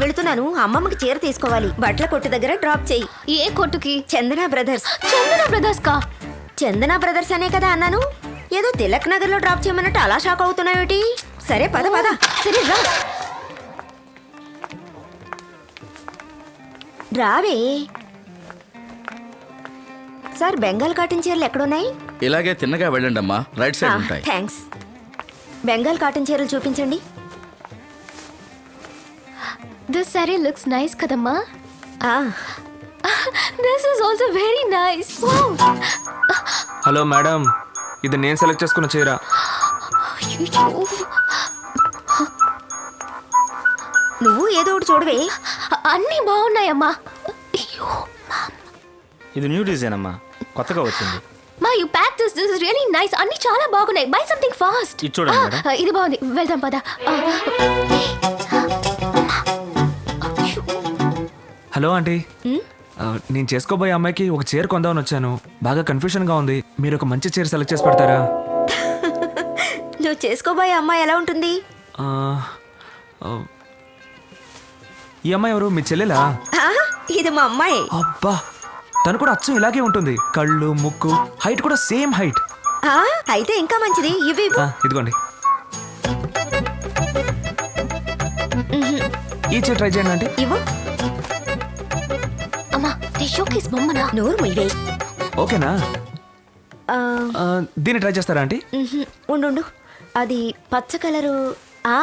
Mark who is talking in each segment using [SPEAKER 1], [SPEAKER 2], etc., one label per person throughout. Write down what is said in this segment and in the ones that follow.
[SPEAKER 1] వెళుతున్నాను. అమ్మమ్మకి చీర తీసుకోవాలి. బట్టల కొట్టు దగ్గర డ్రాప్ చెయ్యి.
[SPEAKER 2] ఏ కొట్టుకి?
[SPEAKER 1] చందన బ్రదర్స్.
[SPEAKER 2] చందన బ్రదర్స్ కా?
[SPEAKER 1] చందన బ్రదర్స్ అనే కదా అన్నాను. ఏదో తిలక్ నగర్ లో డ్రాప్ చేయమన్నట్టు అలా షాక్ అవుతున్నావేటి? సరే పద పద. సరే రా రావే. సార్ బెంగాల్ కాటన్ చీరలు ఎక్కడున్నాయి?
[SPEAKER 3] ఇలాగే తిన్నగా వెళ్ళండి అమ్మా, రైట్ సైడ్ ఉంటాయి.
[SPEAKER 1] థ్యాంక్స్. బెంగాల్ కాటన్ చీరలు చూపించండి.
[SPEAKER 2] దిస్ సారీ లుక్స్ నైస్ కదమ్మా.
[SPEAKER 1] ఆ,
[SPEAKER 2] this is also very nice.
[SPEAKER 4] Hello madam, ఇది నేను సెలెక్ట్ చేసుకున్న చీర.
[SPEAKER 1] నువ్వు ఏదో ఒకటి చూడవే.
[SPEAKER 2] అన్నీ బాగున్నాయమ్మా.
[SPEAKER 5] ఇది న్యూ డిజైన్ అమ్మా, కొత్తగా వచ్చింది.
[SPEAKER 2] మా you pack this is really nice. అన్నీ చాలా బాగున్నాయి. Buy something fast.
[SPEAKER 5] ఇది చూడండి మేడం.
[SPEAKER 2] ఇది బాగుంది, వెళ్దాం పద.
[SPEAKER 4] హలో ఆంటీ, నేను చేసుకోబోయే అమ్మాయికి ఒక చీర కొందామని వచ్చాను. బాగా కన్ఫ్యూషన్గా ఉంది. మీరు ఒక మంచి చీర సెలెక్ట్ చేసి పెడతారా?
[SPEAKER 1] నువ్వు చేసుకోబోయే అమ్మాయి ఎలా ఉంటుంది?
[SPEAKER 4] ఆ, ఆ, ఈ అమ్మాయి ఎవరు? మీ చెల్లెలా?
[SPEAKER 1] ఆ, ఇది మా అమ్మాయి.
[SPEAKER 4] అబ్బా, తను కూడా అచ్చం ఇలాగే ఉంటుంది. కళ్ళు, ముక్కు, హైట్ కూడా సేమ్ హైట్.
[SPEAKER 1] ఆ, అయితే ఇంకా మంచిది. ఇవి
[SPEAKER 4] ఇదిగోండి, ఈ చీర ట్రై చేయండి ఆంటీ.
[SPEAKER 1] ఇవ్వు.
[SPEAKER 2] అమ్మా, నీ షోకేస్ బొమ్మనా?
[SPEAKER 1] నోరు ముయ్యవే.
[SPEAKER 4] ఓకేనా?
[SPEAKER 1] ఆ,
[SPEAKER 4] దీన్ని ట్రై చేస్తారా ఆంటీ?
[SPEAKER 1] ఉండు ఉండు. అది పచ్చ కలరు. ఆ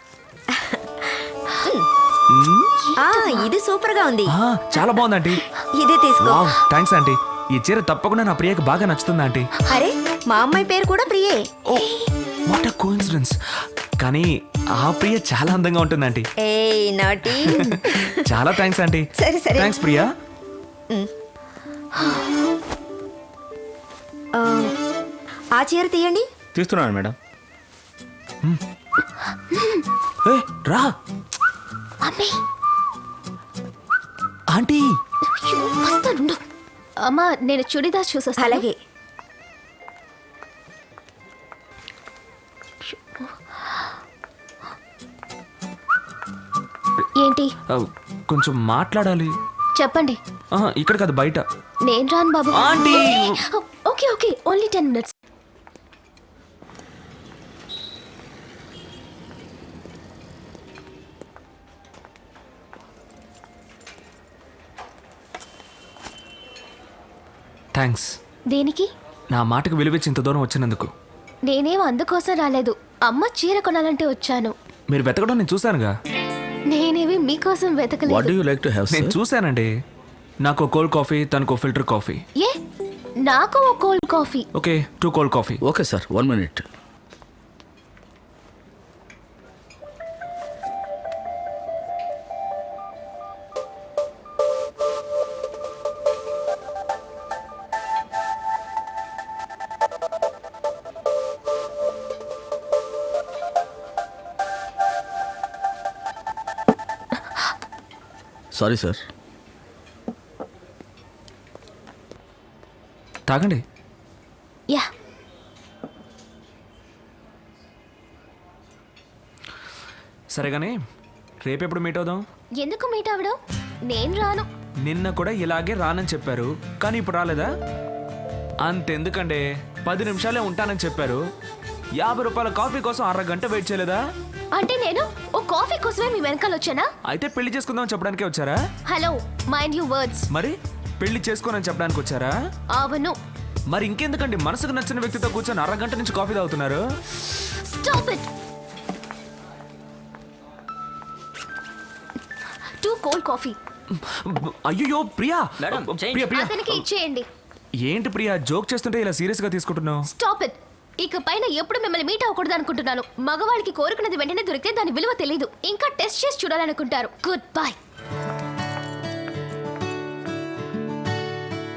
[SPEAKER 1] ఆ, ఇది సూపర్ గా ఉంది.
[SPEAKER 4] చాలా బాగుంది ఆంటీ.
[SPEAKER 1] ఇదే తీసుకో.
[SPEAKER 4] Wow, thanks aunty. ఈ చీర తప్పకుండా నా ప్రియకి బాగా నచ్చుతుంది ఆంటీ.
[SPEAKER 1] అరే, మా అమ్మాయి పేరు కూడా ప్రియే.
[SPEAKER 4] ఓ, వాట్ అ కోఇన్సిడెన్స్. కానీ ఆ ప్రియ చాలా అందంగా ఉంటుంది ఆంటీ.
[SPEAKER 1] ఏయ్ నాటి.
[SPEAKER 4] చాలా థ్యాంక్స్ ఆంటీ.
[SPEAKER 1] సరే సరే.
[SPEAKER 4] థ్యాంక్స్ ప్రియా.
[SPEAKER 1] ఆ చీర తీయండి.
[SPEAKER 5] తీస్తున్నాను మేడం.
[SPEAKER 4] ఏ, రా
[SPEAKER 2] అమ్మే,
[SPEAKER 4] ఆంటీ.
[SPEAKER 2] వస్తాను. అమ్మా, నేను చుడిదార్ చూసొస్తాను.
[SPEAKER 1] అలాగే.
[SPEAKER 2] ఏంటి?
[SPEAKER 4] కొంచెం మాట్లాడాలి.
[SPEAKER 2] చెప్పండి.
[SPEAKER 4] ఇక్కడ కాదు, బయట.
[SPEAKER 2] నేను రాను బాబు.
[SPEAKER 4] Aunty.
[SPEAKER 2] Okay okay, only 10 minutes.
[SPEAKER 4] Thanks.
[SPEAKER 2] దేనికి?
[SPEAKER 4] నా మాటకు విలువిచ్చి ఇంత దూరం వచ్చినందుకు.
[SPEAKER 2] నేనేం అందుకోసం రాలేదు. అమ్మ చీర కొనాలంటే వచ్చాను.
[SPEAKER 4] మీరు వెతకడం నేను చూశానుగా.
[SPEAKER 2] నేనేవి మీకోసం
[SPEAKER 3] వాట్
[SPEAKER 2] వెతకలేదు.
[SPEAKER 3] Do you like to have?
[SPEAKER 4] నేను చూశానండి. నాకు కోల్డ్ కాఫీ, తనకు ఫిల్టర్ కాఫీ.
[SPEAKER 2] ఏ, నాకు ఓ cold coffee.
[SPEAKER 4] Okay, 2 cold coffee.
[SPEAKER 3] Okay sir, 1 minute. Sorry sir.
[SPEAKER 4] తాగండి.
[SPEAKER 2] యా.
[SPEAKER 4] సరే కానీ రేపెప్పుడు మీట్ అవుదాం?
[SPEAKER 2] ఎందుకు మీట్ అవ్వడం? నేను రాను.
[SPEAKER 4] నిన్న కూడా ఇలాగే రానని చెప్పారు, కానీ ఇప్పుడు రాలేదా? అంతెందుకండి, 10 నిమిషాలే ఉంటానని చెప్పారు. 50 రూపాయల కాఫీ కోసం అరగంట వెయిట్ చేయలేదా?
[SPEAKER 2] అంటే నేను ఓ కాఫీ కోసమే మీ వెనకాల వచ్చానా?
[SPEAKER 4] అయితే పెళ్లి చేసుకుందామని చెప్పడానికే వచ్చారా?
[SPEAKER 2] Hello, mind you words.
[SPEAKER 4] మరి పెళ్లి చేసుకోనని చెప్పడానికి వచ్చారా?
[SPEAKER 2] అవును.
[SPEAKER 4] మరి ఇంకెందుకండి మనసుకు నచ్చిన వ్యక్తితో కూర్చొని అరగంట నుంచి కాఫీ తాగుతున్నారు?
[SPEAKER 2] Stop it. 2 cold coffee.
[SPEAKER 4] అయ్యో ప్రియా. ప్రియా ప్రియా,
[SPEAKER 2] అతనికి ఇచ్చేయండి.
[SPEAKER 4] ఏంటి ప్రియా జోక్ చేస్తుంటే ఇలా సీరియస్ గా తీసుకుంటున్నావు?
[SPEAKER 2] Stop it. ఇక పైన ఎప్పుడు మిమ్మల్ని మీట్ అవ్వకూడదు అనుకుంటున్నాను. మగవాళ్ళకి కోరుకున్నది వెంటనే దొరికితే దాని విలువ తెలియదు. ఇంకా టెస్ట్ చేసి చూడాలనుకుంటారు. Good bye.